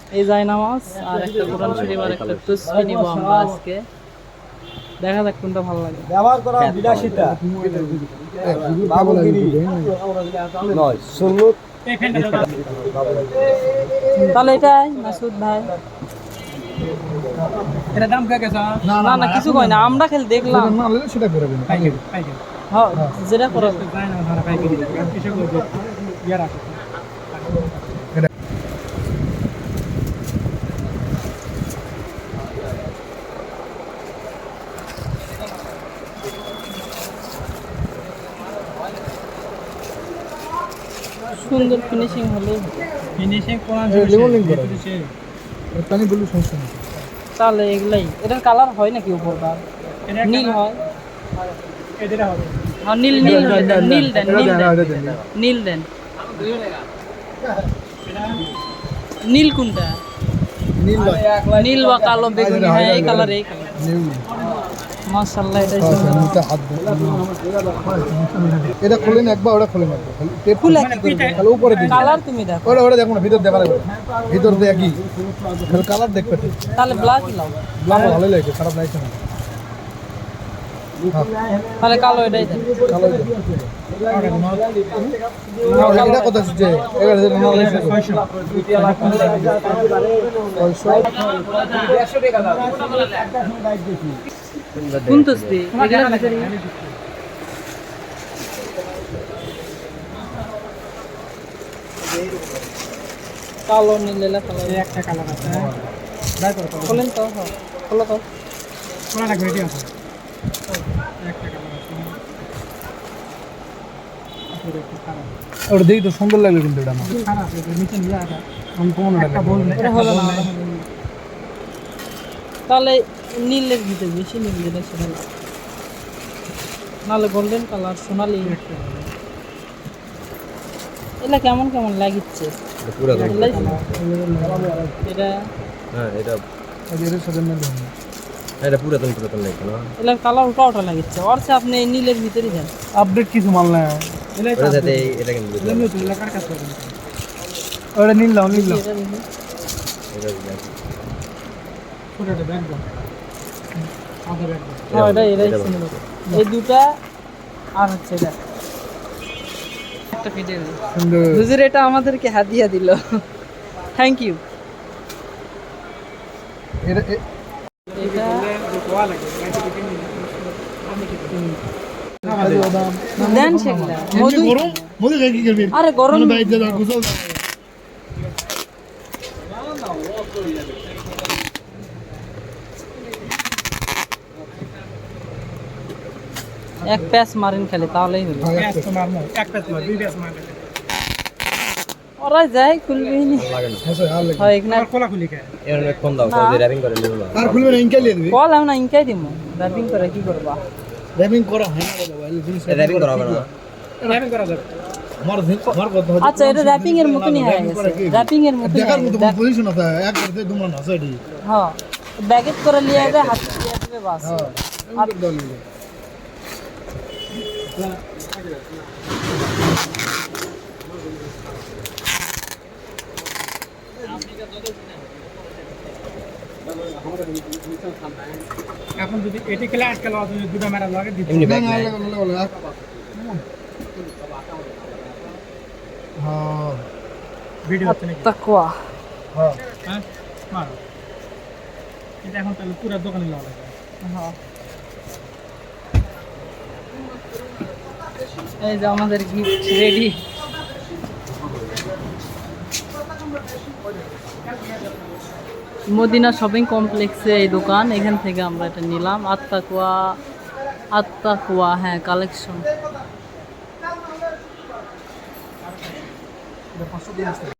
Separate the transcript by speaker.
Speaker 1: এই জায়নামাজ আর একটা কোরআন শরীফ আর একটা তসবিহ নিব আমরা আজকে। দেখা যাক কোনটা ভালো লাগে।
Speaker 2: ব্যবহার করা বিলাসিতা বাবুগিরি নয় সুন্নত।
Speaker 1: তাহলে এটাই মাসুদ ভাই।
Speaker 2: এটা দাম কে কেসা?
Speaker 1: না না কিছু কই না, আমরা খালি দেখলাম।
Speaker 3: না হলে সেটা করে দেন
Speaker 2: পাইকারি পাইকারি।
Speaker 1: হ্যাঁ যেটা করে
Speaker 2: যায় না ধরা পাইকারি কৃষক ইয়া রাখে।
Speaker 1: সুন্দর ফিনিশিং হলে
Speaker 2: ফিনিশিং কোরআন
Speaker 3: লেভেলিং করা পানি বললে সমস্যা নেই।
Speaker 1: তাহলে এগুলাই। এটার কালার হয় নাকি উপরটা? নীল হয়।
Speaker 2: এটা হবে।
Speaker 1: হ্যাঁ নীল নীল হলে দেন, নীল দেন, নীল দেন, নীল দেন। নীল কোনটা? নীল বা কালো বেগুনি, হ্যাঁ এই কালার, এই কালার। মাশাআল্লাহ এটাই সুন্দর।
Speaker 3: এটা খুলেন একবার, ওটা খুলেন একবার, টেপ
Speaker 1: খুলে কি করবে?
Speaker 3: তাহলে উপরে দিন।
Speaker 1: কালার তুমি দেখো।
Speaker 3: ওটা দেখো না, ভিতর দেখার আগে ভিতর দিয়ে একই তাহলে কালার দেখবে।
Speaker 1: তাহলে ব্ল্যাক লাও।
Speaker 3: ব্ল্যাক ভালো লাগে, খারাপ লাগছে না।
Speaker 1: তাহলে কালো এটাই দেন।
Speaker 3: কালো এটা কত আছে? 11,900
Speaker 1: কোন তসবিহ? এগুলা ভিতরে কালো নীল এলা কালার।
Speaker 2: একটা কালার আছে। বাই করো।
Speaker 1: খোলেন তো, হ্যাঁ খোলো তো।
Speaker 2: কোন লাগবে এটি আছে। একটা কালার আছে।
Speaker 3: ওটা দেখি তো সুন্দর লাগলো কিন্তু এটা আমার।
Speaker 2: খারাপ আছে নিচে নিয়ে আসা।
Speaker 3: আমি কোন
Speaker 2: একটা বল না।
Speaker 1: এটা হলো না। তাহলে নীলের ভিতরে বেশি নীল যেটা সেটা না। নাহলে গোল্ডেন কালার, সোনালি। এটা কেমন কেমন লাগিচ্ছে?
Speaker 4: পুরো দাম।
Speaker 1: এটা
Speaker 4: হ্যাঁ এটা
Speaker 3: এর সাথে মিল হয় না।
Speaker 4: এটা পুরাতন পুরাতন লাগে না।
Speaker 1: এটার কালার ওটা ওটা লাগিচ্ছে। ওর চেয়ে আপনি এই নীলের ভিতরেই যান।
Speaker 3: আপডেট কিছু মাল না।
Speaker 4: ওটা সাথে এটা কিন্তু
Speaker 2: এমনি তো এলাকার কাছে করে।
Speaker 3: ওটা নীল দাও, নীল দাও।
Speaker 1: এটা দেখি।
Speaker 4: এটা দিলাম।
Speaker 2: ছোটটা ব্যাগ দাও। আধা ব্যাগ দাও।
Speaker 1: হ্যাঁ এটাই সুন্দর। এই দুটা আর হচ্ছে এটা একটা ফিটে দিল।
Speaker 3: সুন্দর।
Speaker 1: হুজুর এটা আমাদেরকে হাদিয়া দিল। Thank you.
Speaker 3: এটা
Speaker 1: এটা
Speaker 2: দোয়া লাগে।
Speaker 1: দেন সেগুলা মধু।
Speaker 3: মধু খাই কি করবেন?
Speaker 1: আরে গরম।
Speaker 3: বাইরে যা গোসল।
Speaker 1: এক প্যাচ মারেন খালি তাহলেই হলো।
Speaker 2: প্যাচ তো মারমু। এক প্যাচ মার, দুই প্যাচ মার।
Speaker 1: ওরা যায় খুলবেই নি।
Speaker 4: লাগে না।
Speaker 1: হয় এখানে
Speaker 2: আর খোলা খুলি খায়।
Speaker 4: এর অনেক কম দাও, কল দিয়ে র‍্যাপিং করে নিও না।
Speaker 3: আর খুলবে না, ইনকাই লিয়ে দিবি।
Speaker 1: কল আমরা ইনকাই দিমু। র‍্যাপিং করে কি করবা?
Speaker 3: র‍্যাপিং করা হয় না বাবা, এই জিনিস
Speaker 4: র‍্যাপিং করা হবে না।
Speaker 2: র‍্যাপিং করা যাবে।
Speaker 3: আমার কথা হচ্ছে
Speaker 1: আচ্ছা এটা র‍্যাপিং এর মতনই হয়ে গেছে। র‍্যাপিং এর মতনই
Speaker 3: দেখার
Speaker 1: হয়ে
Speaker 3: মতো
Speaker 1: গেছে।
Speaker 3: পজিশন আছে, এক করতে দুমান আছে এটি।
Speaker 1: হ্যাঁ ব্যাগেট করে লিয়ে যাবে, হাতে দিয়ে দিবে বাস।
Speaker 3: হ্যাঁ আর দল নিলে
Speaker 2: এখন যদি এটি খেলে আজকে লওয়া যদি দুটো মেরা লাগে দিতে।
Speaker 4: এমনি ব্যাগ নাই।
Speaker 3: হ্যাঁ
Speaker 2: ভিডিও হচ্ছে নাকি?
Speaker 1: তাকওয়া।
Speaker 3: হ্যাঁ
Speaker 2: হ্যাঁ মারো। এটা এখন তাহলে পুরো দোকানে লওয়া লাগে।
Speaker 1: হ্যাঁ এই যে আমাদের গিফট রেডি। মদিনা শপিং কমপ্লেক্সে এই দোকান, এখান থেকে আমরা এটা নিলাম। আত্তাকুয়া হ্যাঁ কালেকশন।